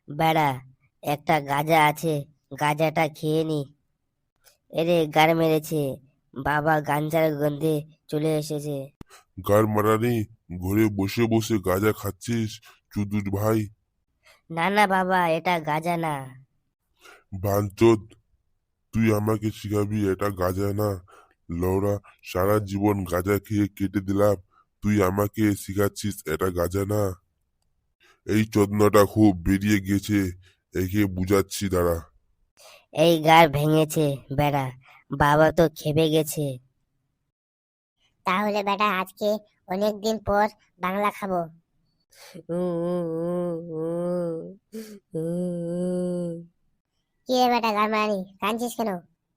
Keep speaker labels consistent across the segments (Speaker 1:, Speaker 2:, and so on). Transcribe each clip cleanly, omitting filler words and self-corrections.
Speaker 1: বেড়া, একটা গাঁজা আছে, গাঁজাটা খেয়ে নি। এরে গার মেরেছে, বাবা গাঞ্জার গন্ধে চলে এসেছে।
Speaker 2: গার মারানি, ঘরে বসে বসে গাঁজা খাচ্ছিস চুদুর ভাই?
Speaker 1: না না বাবা, এটা গাঁজা না।
Speaker 2: বাঞ্চোদ, তুই আমাকে শিখাবি এটা গাঁজা না? লওরা, সারা জীবন গাঁজা খেয়ে কেটে দিলাম, তুই আমাকে শিখাচ্ছিস এটা গাঁজা না? এই চোদনাটা খুব বেরিয়ে গেছে, একে বুঝাচ্ছি দাঁড়া।
Speaker 1: এই গার ভেঙেছে বেড়া, বাবা তো খেপে গেছে।
Speaker 3: তাহলে বেটা আজকে অনেক দিন পর বাংলা খাবো। কি রে বেটা গারমারানি, কাঁদছিস কেন?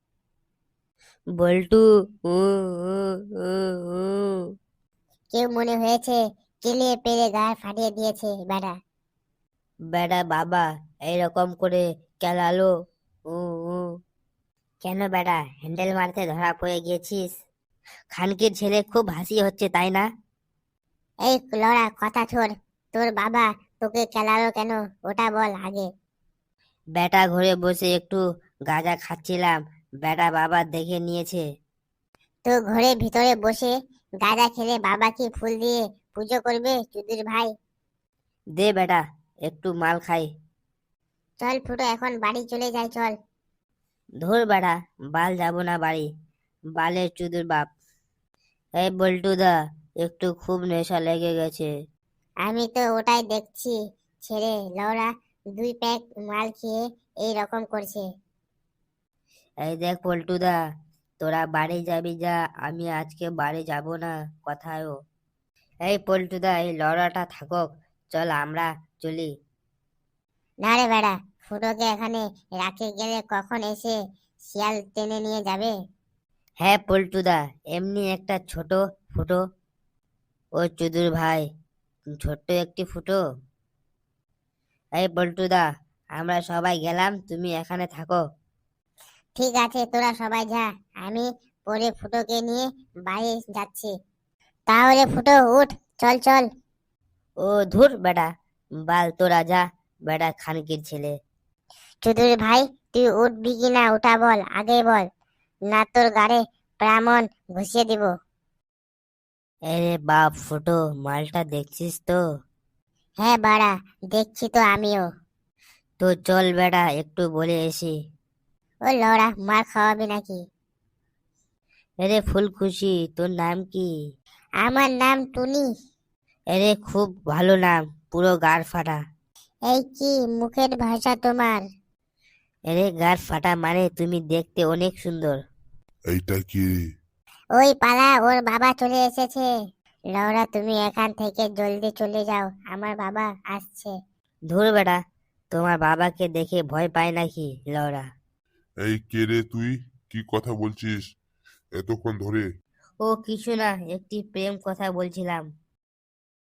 Speaker 1: বল্টু।
Speaker 3: কেউ মনে হয়েছে কেলিয়ে পেরে গায়ে ফাটিয়ে দিয়েছে বেটা।
Speaker 1: বেড়া বাবা এইরকম করে কেলালো। উ উ। কেন বেড়া, হ্যান্ডেল মারতে ধরা পড়ে গেছিস? খানকির ছেলে, খুব হাসি হচ্ছে তাই না?
Speaker 3: এই লড়া কথা ছোড়, তোর বাবা তোকে খেলালো কেন ওটা বল আগে।
Speaker 1: বেটা ঘরে বসে একটু গাঁজা খাচ্ছিলাম, বেটা বাবা দেখে নিয়েছে।
Speaker 3: তো ঘরে ভিতরে বসে গাঁজা খেলে বাবা কি ফুল দিয়ে পুজো করবে চুদির ভাই?
Speaker 1: দে বেটা, একটু মাল খাই।
Speaker 3: চল ফুটো এখন বাড়ি চলে যাই চল।
Speaker 1: ধুর বেটা, বাল যাব না বাড়ি, বালের চুদুর বাপ। এই বল্টু দা, একটু খুব নেশা লেগে গেছে।
Speaker 3: আমি তো ওটাই দেখছি, ছেড়ে লওরা 2 প্যাক মাল খেয়ে এই রকম করছে।
Speaker 1: এই দেখ পল্টু দা, তোরা বাড়ি যাবি যা, আমি আজকে বাড়ি যাব না কথায়ও। এই পল্টু দা, এই লড়াটা থাকুক, চল আমরা চলি।
Speaker 3: না রে বেড়া, ফুটোকে এখানে রাখে গেলে কখন এসে শিয়াল টেনে নিয়ে যাবে।
Speaker 1: হ্যাঁ পল্টু দা, এমনি একটা ছোট ফুটো, ও চুদুর ভাই, ছোট্ট একটি ফুটো। এই পল্টু দা, আমরা সবাই গেলাম, তুমি এখানে থাকো।
Speaker 3: ঠিক আছে তোরা সবাই যা, আমি পরে ফুটোকে নিয়ে বাড়ি যাচ্ছি। তাহলে ফুটো উঠ, চল চল।
Speaker 1: ও ধুর বেটা, বাল তোরা যা, বেটা খানকির ছেলে।
Speaker 3: চৌধুরী ভাই, তুই উঠবি কি না ওটা বল আগে বল, না তোর গাড়ে প্রামণ ঘুষিয়ে দিব।
Speaker 1: আরে বাপ ফুটো, মালটা দেখছিস তো?
Speaker 3: হ্যাঁ বাড়া, দেখছি তো আমিও।
Speaker 1: তো চল বেটা, একটু বলে এসি।
Speaker 3: ও লড়া, মার খাওয়াবি নাকি?
Speaker 1: আরে ফুলখুশি, তোর নাম কি?
Speaker 3: আমার নাম টুনি।
Speaker 1: আরে খুব ভালো নাম, পুরো গার ফাটা।
Speaker 3: এই কি মুখের ভাষা তোমার?
Speaker 1: আরে গার ফাটা মানে তুমি দেখতে অনেক সুন্দর।
Speaker 2: এইটা কি?
Speaker 3: ওই পালা, ওর বাবা চলে এসেছে। লওরা তুমি এখান থেকে জলদি চলে যাও, আমার বাবা আসছে।
Speaker 1: ধুর বেটা, তোমার বাবাকে দেখে ভয় পায় নাকি লওরা?
Speaker 2: এই কে রে তুই? কি কথা বলছিস এতক্ষণ ধরে?
Speaker 1: ও কিছু না, একটি প্রেম কথা বলছিলাম।